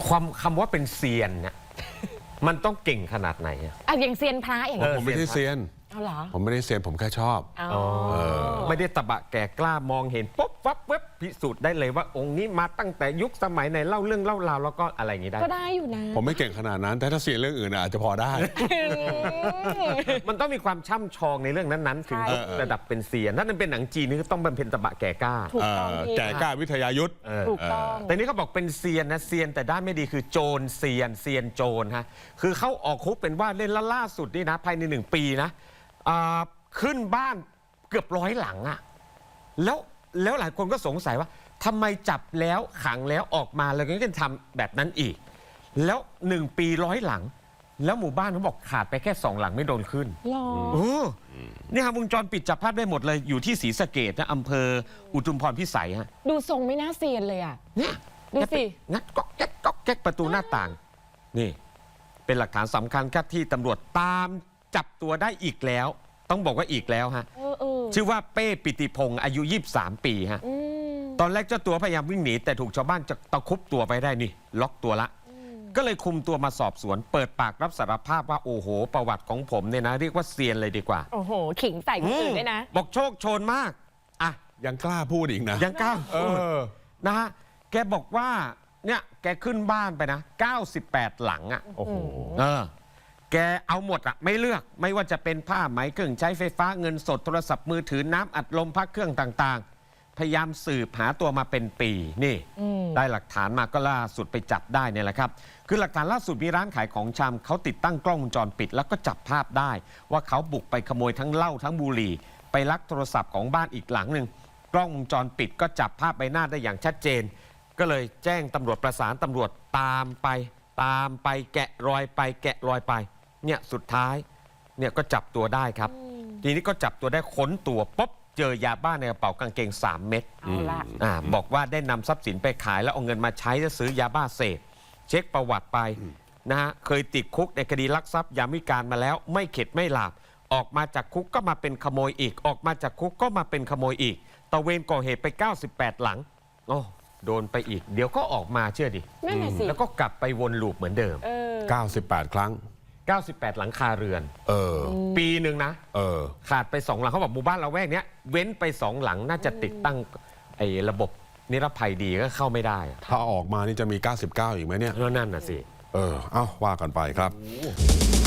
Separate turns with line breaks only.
คำว่าเป็นเซียนเนี่ย มันต้องเก่งขนาดไหนอะ
อย่างเซียนพระอย่าง
ผมไม่ได้เซียน
เอาเหรอ
ผมไม่ได้เซียนผมแค่ชอบ
ไม่ได้ตะบะแก่กล้ามองเห็นปุ๊บวับเว็บพิสูจน์ได้เลยว่าองค์นี้มาตั้งแต่ยุคสมัยไหนเล่าเรื่องเล่าราวแล้วก็อะไรอย่างนี้ได้
ก็ได้อยู่นะ
ผมไม่เก่งขนาดนั้น แต่ถ้าเซียนเรื่องอื่นอาจจะพอได้
มันต้องมีความช่ำชองในเรื่องนั้นๆถึง
ใช่
ระดับเป็นเซียนถ้ามันเป็นหนังจีนนี่ก็ต้องเป็นตะบะแก่กล้า
ถูกต้องพี่
แก่กล้าวิทยายุทธ
ถูกต้อง
แต่นี่เขาบอกเป็นเซียนนะเซียนแต่ด้านไม่ดีคือโจรเซียนโจรฮะคือเขาออกคุกเป็นว่าเล่นล่าสุดนี่นะภายใน1 ปีนะขึ้นบ้านเกือบ100 หลังอะแล้วหลายคนก็สงสัยว่าทำไมจับแล้วขังแล้วออกมาแล้วก็ยังทำแบบนั้นอีก แล้ว1 ปี100 หลัง แล้วหมู่บ้านเขาบอกขาดไปแค่2 หลังไม่โดนขึ้น
หรอ
นี่ฮะวงจรปิดจับภาพได้หมดเลยอยู่ที่ศรีสะเกษนะอำเภออุทุมพรพิสัยฮะ
ดูทรงไม่น่าเซียนเลยอ่ะ
เนี่ย
ดูสิ
งัดก๊อกแก๊กประตูหน้าต่าง นี่เป็นหลักฐานสำคัญครับที่ตำรวจตามจับตัวได้อีกแล้ว ต้องบอกว่าอีกแล้วฮะ ชื่อว่าเป้ปิติพงศ์อายุ23 ปีฮะตอนแรกเจ้าตัวพยายามวิ่งหนีแต่ถูกชาวบ้านจะตะคุบตัวไปได้นี่ล็อกตัวละ ก็เลยคุมตัวมาสอบสวน เปิดปากรับสารภาพว่าโอ้โหประวัติของผมเนี่ยนะเรียกว่าเซียนเลยดีกว่า
โอ้โห ขิงใส่คนอื่นด้วยนะ
บอกโชคโชนมากอ่ะ
ยังกล้าพูดอีกนะ
ยังกล้า
เออ
นะฮะแกบอกว่าเนี่ยแกขึ้นบ้านไปนะ98 หลังอ่ะ
โอ้โห
แกเอาหมดอะไม่เลือกไม่ว่าจะเป็นผ้าไหมเครื่องใช้ไฟฟ้าเงินสดโทรศัพท์มือถือน้ำอัดลมพักเครื่องต่างๆ พยายามสืบหาตัวมาเป็นปีนี่ได้หลักฐานมาก็ล่าสุดไปจับได้เนี่ยแหละครับคือหลักฐานล่าสุดมีร้านขายของชำเขาติดตั้งกล้องวงจรปิดแล้วก็จับภาพได้ ว่าเขาบุกไปขโมยทั้งเหล้าทั้งบุหรี่ไปลักโทรศัพท์ของบ้านอีกหลังหนึ่งกล้องวงจรปิดก็จับภาพใบหน้าได้อย่างชัดเจน ก็เลยแจ้งตำรวจประสานตำรวจตามไปแกะรอยไปเนี่ยสุดท้ายเนี่ยก็จับตัวได้ครับ ทีนี้ก็จับตัวได้ค้นตัวปุ๊บเจอยาบ้าในกระเป๋ากางเกง3 เม็ด
เอาละ
บอกว่าได้นำทรัพย์สินไปขายแล้วเอาเงินมาใช้จะซื้อยาบ้าเสพเช็คประวัติไปนะฮะเคยติดคุกในคดีลักทรัพย์ยามวิกาลมาแล้วไม่เข็ดไม่หลาบออกมาจากคุกก็มาเป็นขโมยอีกออกมาจากคุกก็มาเป็นขโมยอีกตะเวนก่อเหตุไป98 หลังโอ้โดนไปอีกเดี๋ยวก็ออกมาเชื่อดิ
นั่นแหละสิ
แล้วก็กลับไปวนลูปเหมือนเดิม
98 ครั้ง
98 หลังคาเรือน ปีหนึ่งนะ ขาดไป2 หลังเขาบอกหมู่บ้านเราแวกเนี้ยเว้นไป2 หลังน่าจะติดตั้งไอ้ระบบนิรภัยดีก็เข้าไม่ได้
ถ้าออกมานี่จะมี 99 อีกไหมเนี่ย
แล้วนั่นน่ะสิ
เอ้าว่ากันไปครับ